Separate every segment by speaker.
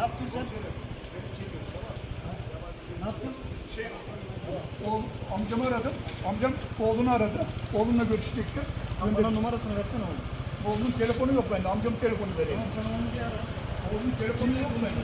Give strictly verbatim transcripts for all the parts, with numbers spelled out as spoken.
Speaker 1: yaptın sen? Ne yaptın?
Speaker 2: Şey, oğul, amcamı aradım. Amcam oğlunu aradı. Oğlunla görüşecekti.
Speaker 1: Sen bana numarasını versene oğlum.
Speaker 2: Oğlunun telefonu yok bende. Amcamın telefonu vereyim.
Speaker 1: Sen onu bir ara.
Speaker 2: Oğlunun telefonu yok bende.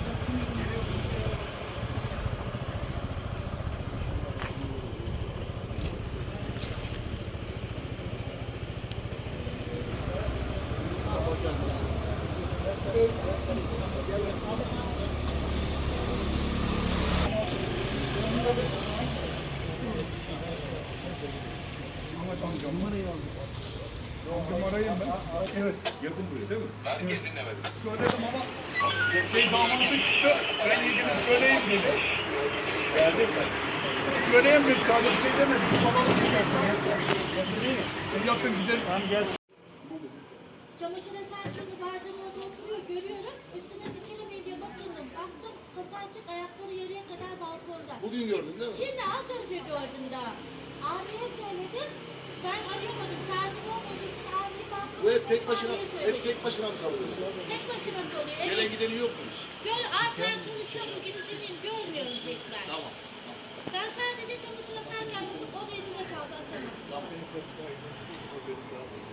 Speaker 2: Amcam numarayı aldım. Amcam arayayım ben. Evet.
Speaker 3: Yakın buraya değil mi?
Speaker 4: Ben kendin demedim.
Speaker 2: Söyledim ama şey damatı çıktı. Ben ilgili söyleyeyim dedi. Gelecek mi? Söyleyeyim dedi. Sadece bir şey demedi. Babamı istersen.
Speaker 1: Yakın değil mi?
Speaker 2: Yakın gidelim.
Speaker 1: Tamam gel.
Speaker 5: Çamaşır eserlerini bazen orada oturuyor, görüyorum. Üstüne sikelemeyi diye bakındım. Baktım, kapı açık, ayakları yarıya kadar balkonda.
Speaker 4: Bugün gördün değil mi?
Speaker 5: Şimdi az önce gördüm daha. Abiye söyledim. Ben arayamadım. Saatim olmadığı için abiye baktım.
Speaker 4: Bu hep tek başına, hep tek başına mı kalıyor?
Speaker 5: Tek başına kalıyor.
Speaker 4: Gelen
Speaker 5: Evet.
Speaker 4: gideni yok mu hiç?
Speaker 5: Gör, abi ben çalışıyorum. Bugün izleyeyim. Görmüyorum tekrar.
Speaker 4: Tamam.
Speaker 5: Ben sadece çamaşır eserken buldum. O da elimde kaldı. Asana.
Speaker 4: Tamam.